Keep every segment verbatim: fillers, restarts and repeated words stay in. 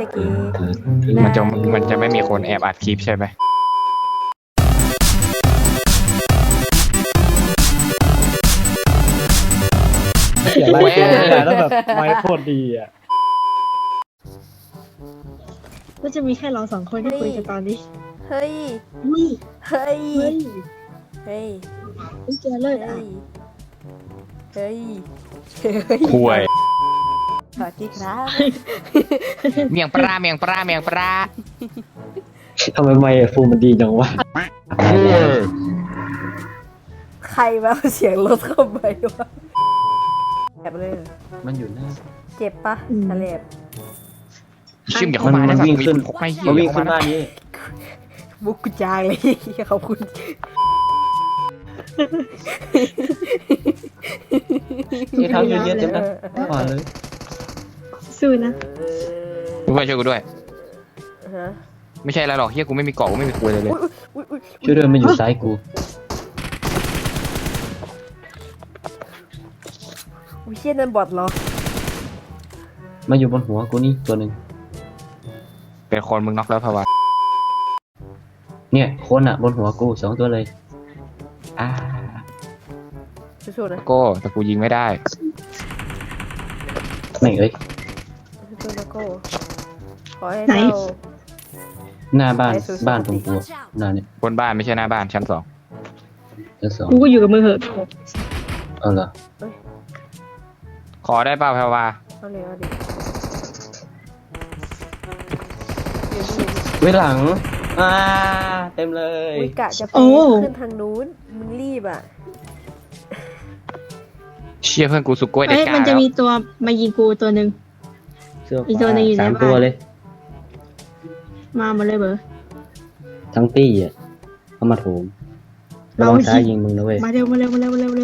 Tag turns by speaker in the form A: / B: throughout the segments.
A: ช่เกย์
B: มันจะมันจะไม่มีคนแอบอัดคลิปใช่ไหม
C: เสียงไล่ตัวไม่ได้แล้วแบบไม้โคตรดีอ่ะ
D: ก็จะมีแค่เราสองคนที่คุยกันตอนนี้
A: เฮ้ย
D: อุ้ย
A: เฮ้ย
D: เฮ้ย
A: เฮ้ย
D: อุ้ยแกเลิศอ่ะ
A: เฮ้ย เฮ้ย
B: ห่วย
A: สวัสดีครับ
B: เมียงปลาเมียงปลาเมียงปลา
C: ทำไมไมค์ฟูมันดีจังวะ
A: ใครมาเอาเสียงรถเข้าไปวะแบบเลย
C: มันอยู่หน้า
A: เจ็บปะทะเลบ
B: ชิมอย่าเข้ามา
C: มัน
B: นะ
C: วิ่งขึ้น
B: พกไม่เหี้ย
C: มันวิ่ง
B: อย่า
C: ขึ้น
B: เข้า
C: บ้า
B: มา
C: นนี้
A: บุกกุจางเลยขอบคุณ
C: ที่เท้าเยอะๆเต็มนะก่อนเลย
D: สู้นะ
B: ช่วยช่วยกูด้วย
A: ฮะ
B: ไม่ใช่อะไรหรอกเฮียกูไม่มีเกาะกูไม่มีคุยเลยเลย
A: อุ๊ยอุ๊ย
C: ช่วยด้วยมันอยู่ซ้ายกู
A: อุ้ยเชี่ยนั่นบอทเหรอ
C: มาอยู่บนหัวกูนี่ตัวหนึ่ง
B: เป็นคนมึงน็อกแล้วพะวะ
C: เนี่ยคนอ่ะบนหัวกูสองตัวเลยอ่า
A: สู้ๆนะ
B: โก้แต่กูยิงไม่ได้
C: ไม่งเอ้ย
A: สู้ๆนะโก้ขอให้
D: ไหน
A: เรา
C: หน้าบ้านบ้านตรงกูอะหน้าเนี่ย
B: บนบ้านไม่ใช่หน้าบ้านชั้นสอง
C: ชั้นสอง
D: กูก็อยู่กับมือเหอะ
C: เอาเหรอ
B: ขอได้เปล่าพะวะ
A: เอาเลยเอาดิ
C: ไว้หลังอ่าเต็มเลย
A: อุ้ยกะจะไปขึ้นทางนู้นมึงรีบอ่ะ
B: เชี่ยเพื่อนกูสุกกล้วยได้
D: เอ้ย
B: กล้า
D: มันจะ
B: แล้ว
D: มีตัวมายิงกูตัวหนึ่ง
C: เสื้อ
D: อีกตัวหนึ่งอยู่ใน
C: สาม
D: บ้าน
C: ตัวเลย
D: มาหมดเลยเบอร์
C: ทั้งตี้อ่ะเข้ามาโถมระวังซ้ายยิงมึงนะเว้ย
D: มาเร็วมาเร็วมาเร็วมาเร็วมาเร็ว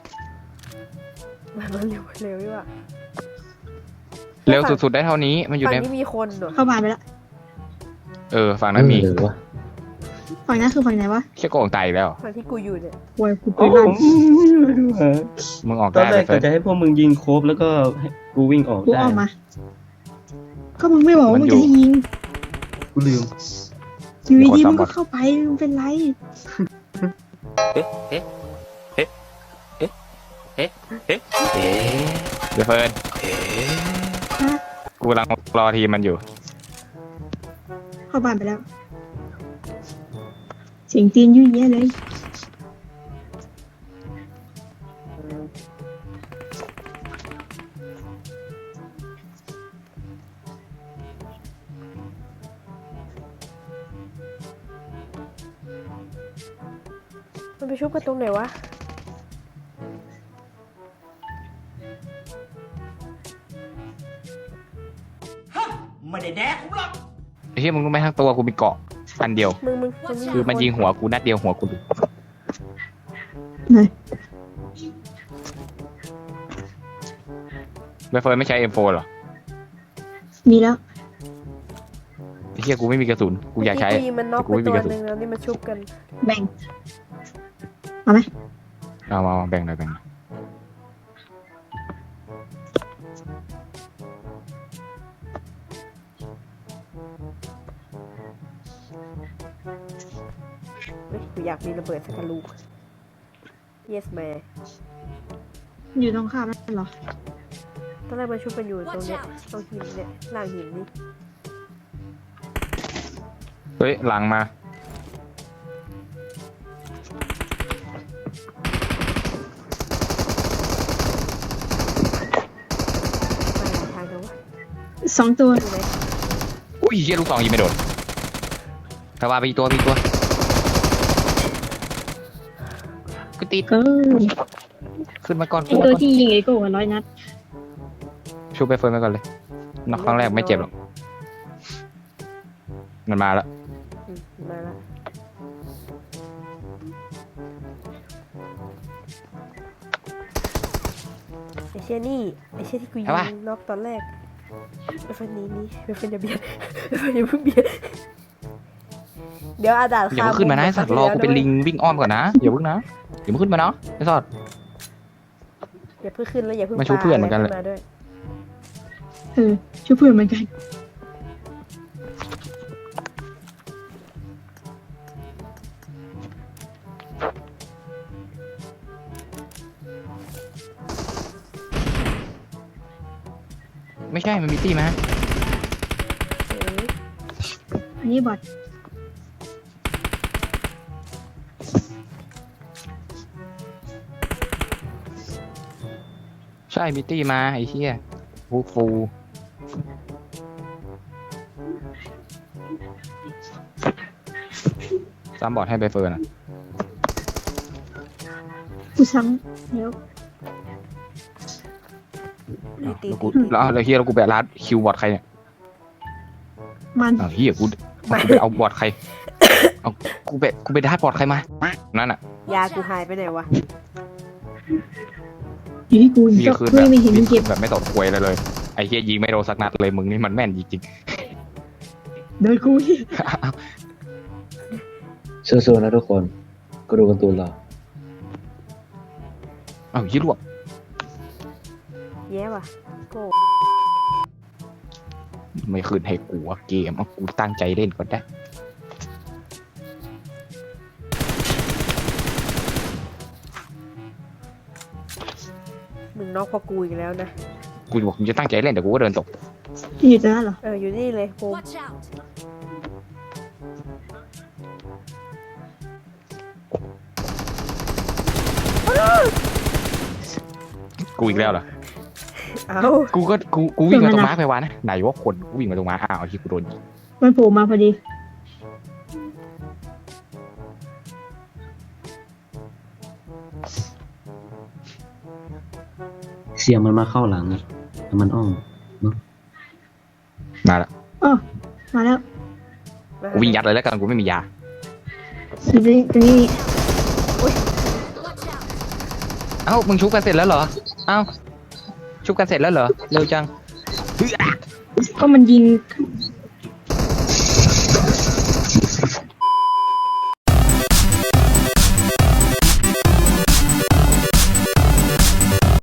A: มาเร็วเร็วดีกว่า
B: เร็วสุดๆได้เท่านี้มันอยู่
A: ฝั่
B: ใน
A: งนี้มีคนเหรอ
D: เข้าบ้านไปแล้ว
B: เออฝั่งนั้นมี
C: หรือวะ
D: ฝั่งนั้นคือฝั่งไหนวะ
B: เชี่ยโกงตายอีกแล้ว
A: ฝั่งที่กูอยู่เนี่ย
D: โวยกูไป
C: โอ้
D: ลั่น
B: มึงออก
C: ตอน
B: ได้
C: แร
B: เล
C: ก
B: ยเฟิ
C: ก็
B: ร์ส
C: จะให้พวกมึงยิงโครบแล้วก็ให้กูวิ่งออก
D: กู
C: ได้
D: ออกมา ก็มึงไม่บอกว่ามึงจะให้ยิง
C: กูลืม
D: อยู่ดีๆมึงก็เข้าไปมึงเป็นไร
B: เดี๋ยวเฟิร์น
D: ฮะ
B: กูกำลังรอทีมมันอยู่
D: เข้าบ้านไปแล้ว เสียงตีนยุ่ยแย่เลย
A: มันไปชุบกันตรงไหนวะ
E: ไม่ได้แดกผมหรอก
B: ไอ้เหี้ยมึงรู้ไหมทั้งตัวกูมีเกาะอันเดียว
A: มึงมึงมัน
B: คือมันยิงหัวกูนัดเดียวหัวกู
D: ไหน
B: ไม่เฟิร์นไม่ใช้ เอ็ม โฟร์ หรอ
D: มีแล้ว
B: ไอ้เหี้ยกูไม่มีกระสุนกูอยากใช้
A: เมื่กี้กูยิงมันน็อก
B: กู
A: ไป
B: ไม่มี
A: ตัว
B: กระสุน
A: หนึ่งแล้วนี่มันชุบกัน
D: แบ่งเอาไหม
B: เอามามาแบ่งหน่อยแบ่งหน่อย
A: เฮ้ยกูอยากมีระเบิดสักลูก yes man
D: อยู่ตรงข้ามนั่นเหรอ
A: ตอนแรกมันชุบกันอยู่ตรงเนี้ยตรงหินเนี่ยล่างหินนี่
B: เฮ้ยหลังมา
A: มาหาทางกันวะ
D: สองตัว
A: อยู่ไหน
B: อุ้ยเหี้ยลูกสองยิงไม่โดนพะวะไปอีกตัวไปอีกตัวกูติด
D: เออ
B: ขึ้นมาก่อน
D: ไอ
B: ขึ้นมา
D: ตัว
B: ก่อน
D: ที่ยิงไอโก้ร้อยนัด
B: ชูไปเฟิร์นไปก่อนเลยน็อกครั้งแรกไม่เจ็บหรอกมันมาแล้ว
A: อืมมาละไอเชี่ยนี่ไอเชี่ยที่กูยิงน็อกตอนแรกไอฟันนี้นี่ไอฟันอย่าเบียดไอฟันอย่าเพิ่งเบียดเดี๋ยวอาดาด
B: อย่าเพิ่งขึ้นมานะไอ้สัตว์รอกูเป็นลิงวิ่งอ้อมก่อนนะอย่าเพิ่งนะอย่าเพิ่งขึ้นมาเนาะไอ้สัตว์
A: อย่าเพิ่งขึ้นแล้วอย่าเพิ่ง
B: มาชูเพื่อนเหมือนกันเลย
A: ปาะไรขึ้าด้วย
D: เออช่วยเพื่อนเหมือนกัน
B: ไม่ใช่มันมีตี้ไหม
A: เอ้ย
D: อันนี้บอท
B: ใช่มีตี้มาไอ้เหี้ยฟูฟูซ้ำบอดให้ใบเฟิร์นอ่ะ
D: กูซ้ำเดี๋ยว
A: ตีตี
B: แล้วกู
A: ตี
B: แล้วแล้วเฮียแล้วกูไปรัดคิวบอดใครเนี่ย
D: มัน
B: อ้าวเฮียกูกูไปเอาบอดใครเอากูไปกูไปได้บอดใครมานั่นอ่ะ
A: ยากูหายไปไหนวะ
D: อยู่ที่กู
B: มี
D: ก็
B: คืน
D: กู
B: แบบ
D: ไม่เห็น
B: มี
D: มึง
B: คื
D: เก็
B: น
D: บ
B: แบบไม่ตดควยเลยเลยไอ้เฮียยิงไม่โดนสักนัดเลยมึงนี่มันแม่นจริง
D: โดยกู
B: ๆ
C: สู้ๆนะทุกคนก็ดูการ์ตูนเรา
B: อ้าวยี่ลวก
A: แย่ว่ะโก้
B: ไม่คืนให้กูอะเกมเอากูตั้งใจเล่นก่อนได้
A: มึงนอกพอกูอีกแล้วนะ
B: กูบอกกูจะตั้งใจเล่นแต่กูก็เดินตก
D: อยู่ตรงนั้นเหรอ
A: เอออยู่นี่เลยโฮม
F: Watch out!
B: กูอีกแล้วเหรอ
A: เอ้า
B: กูก็กูกูวิ่งมาตรงม้าไปวะนะไหนว่าคนกูวิ่งมาตรงม้าอ้าวที่กูโดนยิง
D: มันโผล่มาพอดี
C: เสียงมันมาเข้าหลังอะแต่มันอ้อม
B: มาละ
D: อ๋อมาแล้ว
A: มา
B: กูวิ่งยัดเลยแล้วกันกูไม่มียา
D: อยู่ตรงนี้ตรงนี้
F: Watch out!
B: เอ้ามึงชุบกันเสร็จแล้วเหรอเอ้าชุบกันเสร็จแล้วเหรอเร็วจัง
D: ก็มันยิง